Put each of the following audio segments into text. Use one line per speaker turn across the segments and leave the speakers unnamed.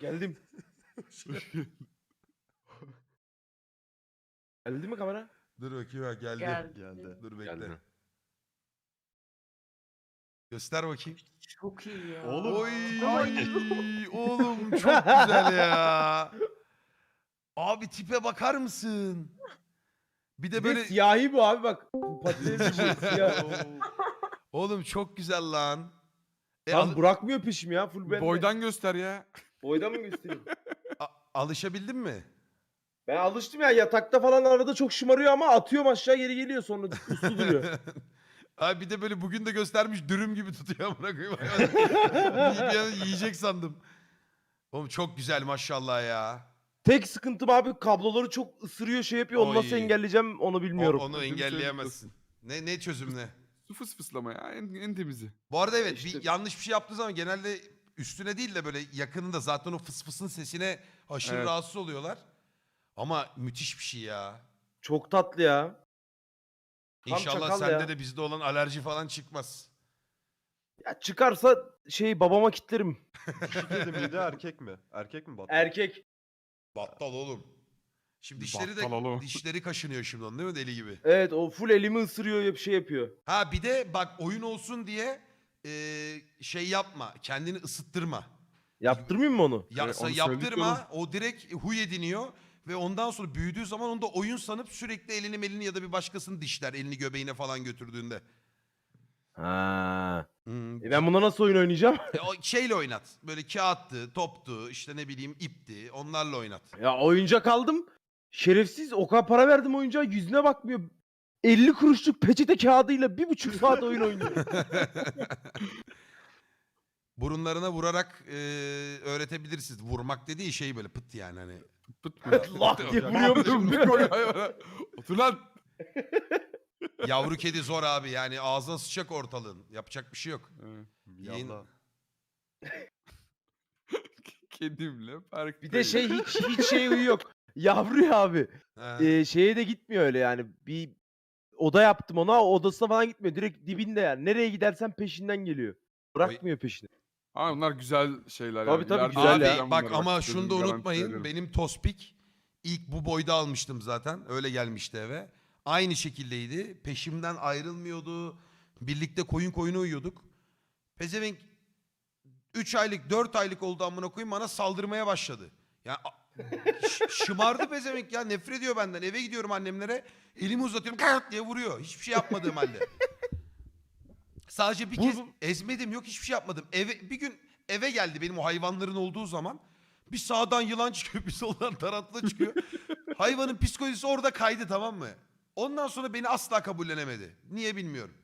Geldim. Geldi mi kamera?
Dur bakayım ha geldi.
Geldi.
Dur bekle.
Geldi.
Göster bakayım.
Çok iyi ya.
Oğlum.
Oy oğlum çok güzel ya. Abi tipe bakar mısın? Bir de
Bir
böyle
de siyahi bu abi bak. Patates bu siyah.
oğlum çok güzel lan.
Tam bırakmıyor peşimi ya full bende.
Boydan göster ya.
Boydan mı göstereyim?
Alışabildin mi?
Ben alıştım ya yatakta falan arada çok şımarıyor ama atıyorum aşağı geri geliyor sonra uslu duruyor.
Abi bir de böyle bugün de göstermiş dürüm gibi tutuyor amına koyayım. Bir an yiyecek sandım. Oğlum çok güzel maşallah ya.
Tek sıkıntım abi kabloları çok ısırıyor şey yapıyor. Onu nasıl
Oy.
engelleyeceğim onu bilmiyorum.
Onu
Çözüm
engelleyemezsin. Ne çözüm ne?
Su fıslama ya en temizi.
Bu arada evet
İşte-
bir yanlış bir şey yaptığı zaman genelde üstüne değil de böyle yakınında zaten o fıs fısın sesine aşırı
Evet.
rahatsız oluyorlar. Ama müthiş bir şey ya.
Çok tatlı ya. Tam
İnşallah
çakal
sende
ya.
de bizde olan alerji falan çıkmaz.
Ya çıkarsa şey babama kitlerim.
Dişi kedi miydi erkek mi? Erkek mi battal?
Erkek.
Battal oğlum. Şimdi dişleri
Battal oğlum.
dişleri kaşınıyor şimdi onun değil mi deli gibi?
Evet o full elimi ısırıyor bir şey yapıyor.
Ha bir de bak oyun olsun diye şey yapma. Kendini ısıttırma.
Yaptırmayayım mı onu?
Ya,
onu söyledik
yaptırma.
oğlum.
O direkt huy ediniyor. Ve ondan sonra büyüdüğü zaman onu da oyun sanıp sürekli elini ya da bir başkasını dişler. Elini göbeğine falan götürdüğünde.
Ha.
Hmm.
Ben buna nasıl oyun oynayacağım?
O şeyle oynat. Böyle kağıttı, toptu, işte ne bileyim ipti. Onlarla oynat.
Ya oyuncak aldım. Şerefsiz o kadar para verdim oyuncağa yüzüne bakmıyor. 50 kuruşluk peçete kağıdıyla 1,5 saat oyun oynuyor.
Burunlarına vurarak öğretebilirsiniz. Vurmak dediği şey böyle pıt yani hani.
Pıt pıt.
Allah diye vuruyorum.
Şimdi koy hayvana. Otur lan.
Yavru kedi zor abi yani ağzına sıçacak ortalığın. Yapacak bir şey yok. Yayın-
Yallah.
Kedimle parktayım.
Bir de şey hiç şey huyu yok. Yavru ya abi.
Ha.
Şeye de gitmiyor öyle yani. Bir oda yaptım ona o odasına falan gitmiyor. Direkt dibinde yani. Nereye gidersen peşinden geliyor. Bırakmıyor peşini.
Ama bunlar güzel şeyler
Tabii,
yani.
tabii,
İleride
güzel
Abi
ya.
ben
bak
bunlara
ama
bakıyorum,
şunu da
garanti
unutmayın.
veriyorum.
Benim Tospik ilk bu boyda almıştım zaten. Öyle gelmişti eve. Aynı şekildeydi. Peşimden ayrılmıyordu. Birlikte koyun uyuyorduk. Pezevenk 3 aylık 4 aylık oldu amına koyayım bana saldırmaya başladı. Ya şımardı pezevenk ya nefret ediyor benden. Eve gidiyorum annemlere. Elimi uzatıyorum kart diye vuruyor. Hiçbir şey yapmadığım halde. Sadece bir kez ezmedim yok hiçbir şey yapmadım. Bir gün eve geldi benim o hayvanların olduğu zaman. Bir sağdan yılan çıkıyor bir soldan tarantula çıkıyor. Hayvanın psikolojisi orada kaydı tamam mı? Ondan sonra beni asla kabullenemedi. Niye bilmiyorum.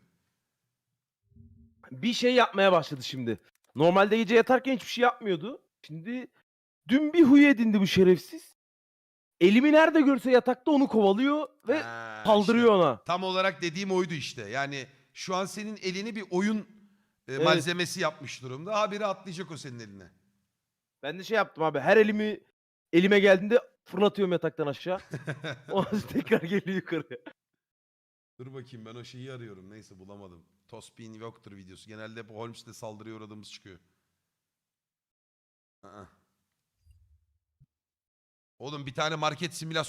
Bir şey yapmaya başladı şimdi. Normalde gece yatarken hiçbir şey yapmıyordu. Şimdi dün bir huy edindi bu şerefsiz. Elimi nerede görse yatakta onu kovalıyor ve
Ha,
saldırıyor
işte.
ona.
Tam olarak dediğim oydu işte. Yani şu an senin elini bir oyun
Evet.
malzemesi yapmış durumda. Habire atlayacak o senin eline.
Ben de şey yaptım abi. Her elime geldiğinde fırlatıyorum yataktan aşağı. Ondan sonra tekrar geliyor yukarı.
Dur bakayım ben o şeyi arıyorum. Neyse bulamadım. Tospin yoktur videosu. Genelde hep Holmes'te saldırıya uğradığımız çıkıyor. Aa. Oğlum bir tane market simülasyonu